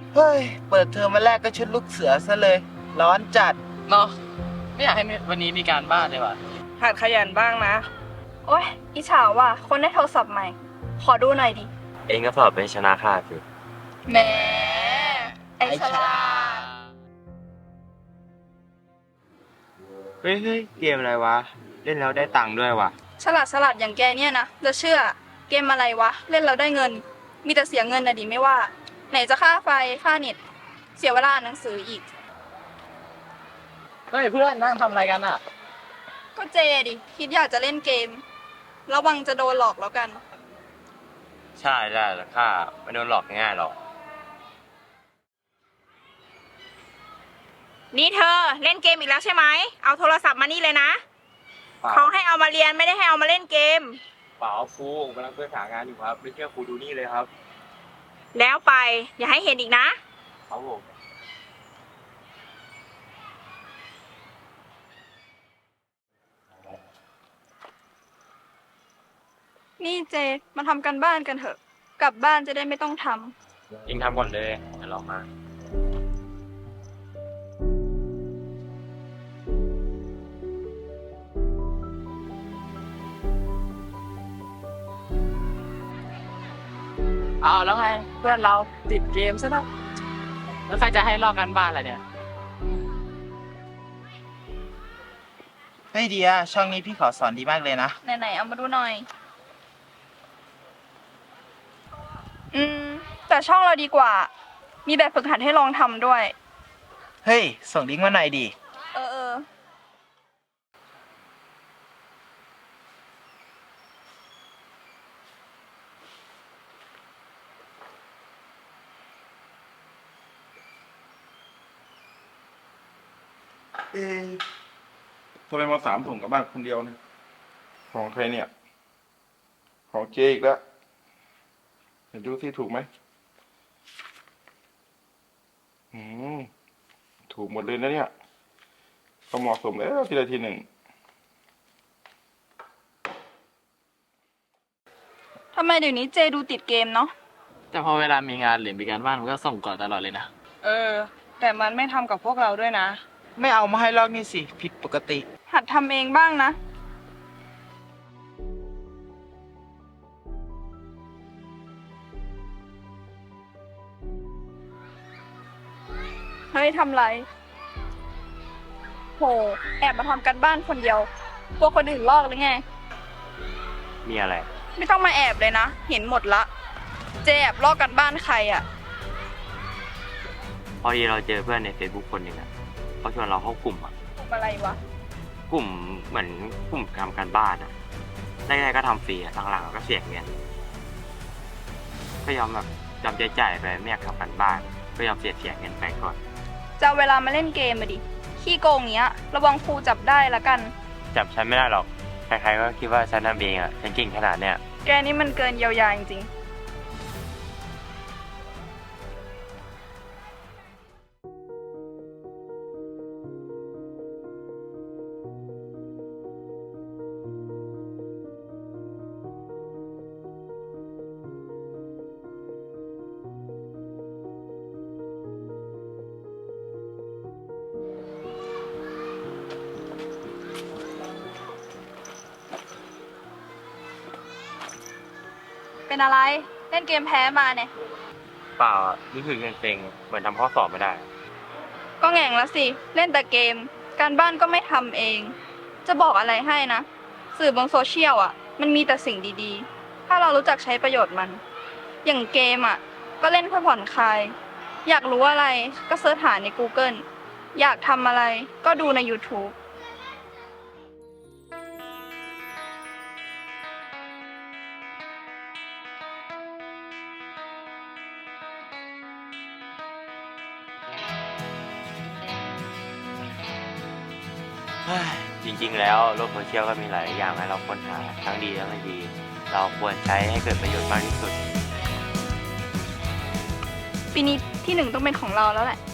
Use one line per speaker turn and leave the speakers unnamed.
เฮ้ย เปิดเทอมวันแรกก็ชุดลูกเสือซะเลย ร้อนจัด
เนาะไม่อยากให้วันนี้มีการบ้านเลยว่ะ
หัดขยันบ้างนะ
โอ๊ยอิจฉาว่ะคนได้โทรศัพท์ใหม่ ขอดูหน่อยดิ
เองก็สอบเป็นชนะขาดสิ
แหมไอฉลาด
เฮ้ยเกมอะไรวะ เล่นแล้วได้ตังค์ด้วยวะ
ฉลาดอย่างแกเนี่ยนะจะเชื่อ เกมอะไรวะ เล่นเราได้เงิน มีแต่เสียเงินนะดิไม่ว่า ไหนจะค่าไฟ ค่าเน็ต เสียเวลาอ่านหนังสืออีก
เฮ้ยเพื่อนนั่งทำอะไรกันอ่ะ
ก็เจดิ คิดอยากจะเล่นเกม ระวังจะโดนหลอกแล้วกัน
ใช่ได้แต่ข้าไม่โดนหลอกง่ายหรอก
นี่เธอเล่นเกมอีกแล้วใช่ไหม เอาโทรศัพท์มานี่เลยนะ เขาให้เอามาเรียนไม่ได้ให้เอามาเล่นเกม
เปล่าครูผมกำลังเพื่อหางานอยู่ครับ ไม่เชื่อครูดูนี่เลยครับ
แล้วไปอย่าให้เห็นอีกนะ
ครับผม
นี่เจ มาทำกันบ้านกันเถอะ กลับบ้านจะได้ไม่ต้องทำ
เองทำก่อนเลยเดี๋ยวเรามา
เอาแล้วไงเพื่อนเราติดเกมซะแล้วแล้วใครจะให้ลอกกันบ้านอะไรเนี่ย
เฮ้ยเดียช่องนี้พี่ขอสอนดีมากเลยนะ
ไหนๆเอามาดูหน่อย แต่ช่องเราดีกว่า มีแบบฝึกหัดให้ลองทำด้วย
เฮ้ย ส่งลิงก์มาหน่อยดิ
เออ
ทำไมมา3 ถุงกลับบ้านคนเดียวเนี่ยของใครเนี่ย ของเจอีกแล้วเดี๋ยวดูที่ถูกไหมถูกหมดเลยนะเนี่ยก็เหมาะสมแล้วทีละทีหนึ่ง
ทำไมเดี๋ยวนี้เจดูติดเกมเนาะ
แต่พอเวลามีงานหรือมีการบ้านมันก็ส่งก่อนตลอดเลยนะ
แต่มันไม่ทำกับพวกเราด้วยนะ
ไม่เอามาให้ลอกนี่สิ ผิดปกติ
หัดทำเองบ้างนะ เฮ้ยทำไร โห แอบมาทำกันบ้านคนเดียวกลัวคนอื่นลอกหรือไง
มีอะไร
ไม่ต้องมาแอบเลยนะ เห็นหมดละ เจแอบลอกกันบ้านใครอะ
พอดีเราเจอเพื่อนใน Facebook คนหนึ่งอ่ะเขาชวนเราเข้ากลุ่มอ่ะ
ทำอะไรวะ
กลุ่มเหมือนกลุ่มทำการบ้านอ่ะแรกๆก็ทำฟรีอ่ะหลังๆก็เสียเงินก็ยอมแบบยอมจ่ายไปไม่อยากทำการบ้าน ก็ยอมเสียเงินไปก่อน
จะเอาเวลามาเล่นเกมมาดิ ขี้โกงเงี้ย ระวังครูจับได้ละกัน
จับฉันไม่ได้หรอก ใครๆก็คิดว่าฉันทำเองอ่ะ ฉันเก่งขนาดเนี้ย
แกนี่มันเกินเยียวยาจริงๆ เป็นอะไร เล่นเกมแพ้มาเนี่ย
เปล่าอ่ะรู้สึกเซ็งๆเหมือนทำข้อสอบไม่ได้
ก็แง่งแล้วสิ เล่นแต่เกม การบ้านก็ไม่ทำเอง จะบอกอะไรให้นะ สื่อบนโซเชียลอ่ะ มันมีแต่สิ่งดีๆ ถ้าเรารู้จักใช้ประโยชน์มัน อย่างเกมอ่ะ ก็เล่นเพื่อผ่อนคลาย อยากรู้อะไรก็เสิร์ชหาใน Google อยากทำอะไรก็ดูใน YouTube
จริงๆ แล้วโลกโซเชียลก็มีหลายอย่างให้เราค้นหาทั้งดีและไม่ดี เราควรใช้ให้เกิดประโยชน์มากที่สุด
ปีนี้ที่ 1ต้องเป็นของเราแล้วแหละ